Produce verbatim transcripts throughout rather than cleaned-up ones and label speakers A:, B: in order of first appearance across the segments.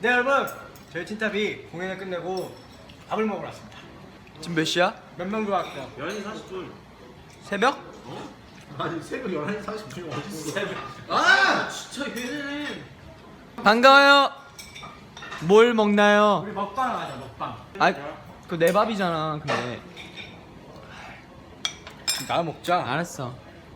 A: 네 여러분, 저희 틴탑이 공연을 끝내고 밥을 먹으러 왔습니다.
B: 지금 몇 시야?
A: 몇 명 들어왔어요?
C: 열한 시 사십 분.
B: 새벽?
C: 어? 아니 새벽 열한 시 사십 분이 어딨어? 새벽.
B: 아!
C: 진짜 얘네는.
B: 반가워요. 뭘 먹나요?
A: 우리 먹방 하자, 먹방.
B: 아, 그거 내 밥이잖아. 근데
A: 나 먹자.
B: 알았어.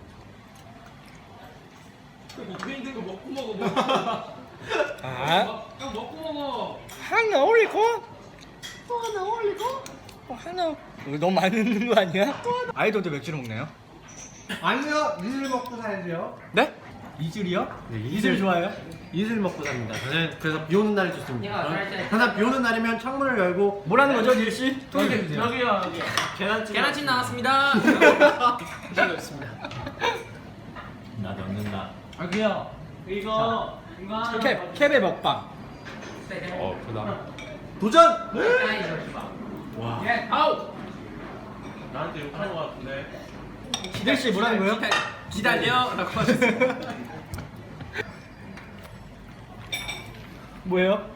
C: 입에 있는 거 먹고 먹어. 먹고.
A: 아,
C: 형 먹고 먹어.
A: 하나 올리고 또 하나 올리고 또 하나. 이거 너무 많이 넣는 거 아니야? 아이돌도 맥주를 먹나요?
D: 아니요, 이슬 먹고 살지요.
B: 네?
A: 이슬이요?
D: 네,
A: 이슬 좋아해요?
D: 이슬 먹고 삽니다. 저는 그래서 비 오는 날이 좋습니다. 항상 비 오는 날이면 창문을 열고
A: 뭐라는 거죠, 닐 씨?
D: 통일해 주세요.
C: 여기요 여기.
D: 계란찜.
C: 계란찜 나왔습니다. 있습니다.
D: 나 넣는다.
A: 아 그요.
C: 이거 이거
A: 캡 캡의 먹방.
D: 어, 그다. 도전.
C: 와. 아우. 나한테 욕하는 거 같은데.
A: 닐 씨 뭐라는 거예요?
C: 기다려라고 하셨어요.
A: 뭐예요?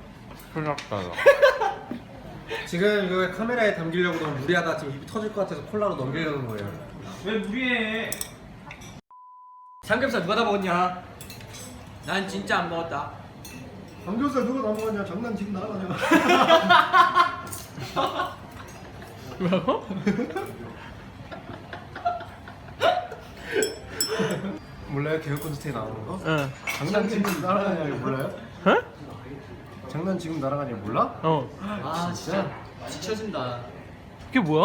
D: 지금 이거 카메라에 담기려고 너무 무리하다. 지금 입이 터질 것 같아서 콜라로 넘기려는 거예요.
C: 왜 무리해?
A: 삼겹살 누가 다 먹었냐?
B: 난 진짜 안 먹었다.
D: 삼겹살 누가 다 먹었냐? 장난 지금 나가냐?
B: 뭐라고?
D: 몰라요? 개그 콘서트에 나오는 거?
B: 응.
D: 장난 지금 날아가냐 이거 몰라요?
B: 어?
D: 장난 지금 날아가냐 몰라?
B: 어.
D: 아 진짜?
B: 지쳐진다. 그게 뭐야?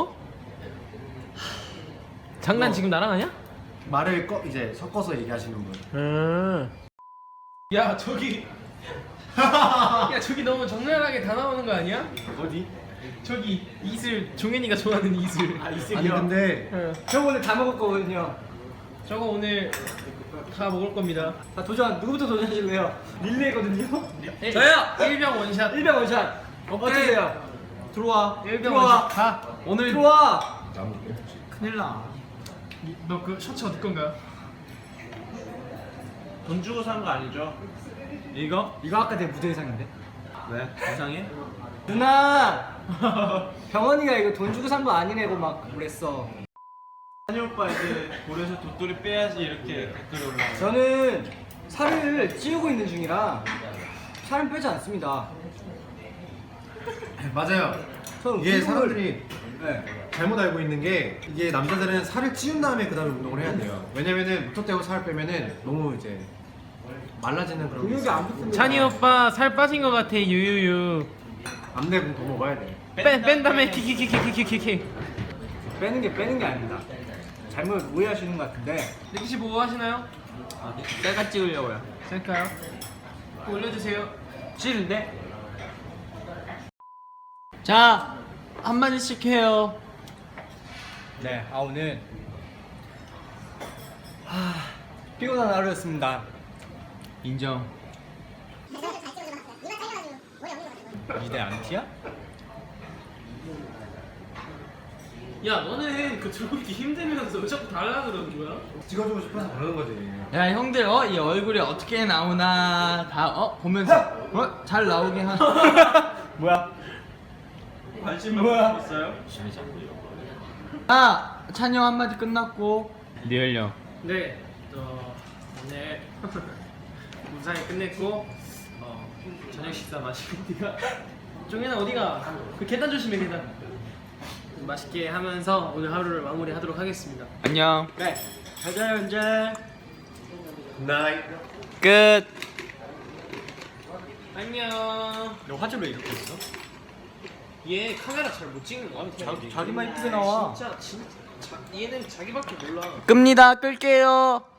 B: 장난 지금 나랑 하냐?
D: 말을 꺼 이제 섞어서 얘기하시는 분.
B: 응.
C: 야 저기. 야 저기 너무 적나라하게 다 나오는 거 아니야?
D: 어디?
C: 저기 이슬 종현이가 좋아하는 이슬. 아
D: 아니 근데
B: 응.
A: 저 오늘 다 먹을 거거든요.
C: 저거 오늘 다 먹을 겁니다.
A: 자 도전 누구부터 도전하실래요? 릴레이거든요.
C: 저요. 일병 원샷.
A: 일병 원샷. 어떠세요? 들어와.
C: 일병
A: 들어와.
C: 원샷. 가. 오늘
A: 들어와.
C: 큰일 나. 너 그 셔츠 어디 건가요? 돈 주고 산 거 아니죠?
A: 이거? 이거 아까 내 무대 의상인데.
C: 왜? 이상해?
A: 누나. 병원이가 이거 돈 주고 산 거 아니래고 막 그랬어.
C: 한이 오빠 이제 볼에서 돗돌이 빼야지 이렇게 댓글이 올라와.
A: 저는 살을 찌우고 있는 중이라 살은 빼지 않습니다.
D: 맞아요.
A: 저는
D: 이게
A: 운동을-
D: 사람들이
A: 네.
D: 잘못 알고 있는 게 이게 남자들은 살을 찌운 다음에 그 다음에 운동을 해야 돼요. 왜냐면은 무턱대고 살을 빼면은 너무 이제 말라지는 그런 게
A: 근육이
D: 있어요.
A: 안 붙습니다.
B: 찬이 오빠 살 빠진 것 같아. 유유유.
D: 안 되면 더 먹어야 돼.
B: 뺀, 뺀 다음에 키키키키키키키.
A: 빼는 게 빼는 게 아닙니다. 잘못 오해하시는 것 같은데.
C: 리키 씨 뭐 하시나요?
B: 셀카 찍으려고요.
C: 셀까요? 올려주세요.
A: 찌는데?
B: 자, 한마디씩 해요.
A: 네. 아 오늘 하... 피곤한 하루였습니다.
B: 인정.
A: 이대 안티야?
C: 야 너는 그 들어오기 힘들면서 왜 자꾸 달라 그러는 거야?
D: 찍어주고 싶어서 그러는 거지.
B: 야 형들 어 이 얼굴이 어떻게 나오나 다 어 보면서 어 잘 나오게 하나.
A: 뭐야?
C: 관심
A: 뭐야?
C: 갖고 있어요?
B: 아 찬이 형 한마디 끝났고 리얼 형.
C: 네. 어, 오늘 무사히 끝냈고 어, 저녁 식사 마시고 어디가? 종현아 어디가? 그 계단 조심해 계단. 맛있게 하면서 오늘 하루를 마무리하도록 하겠습니다.
B: 안녕.
A: 네. 잘 자요 이제.
D: 나이.
B: 끝.
C: 안녕.
A: 너 화질 왜 이렇게 있어?
C: 얘 카메라 잘 못 찍는 거 같아.
A: 자, 자기만 이쁘게 나와.
C: 진짜 진짜 자, 얘는 자기밖에 몰라.
B: 끕니다. 끌게요.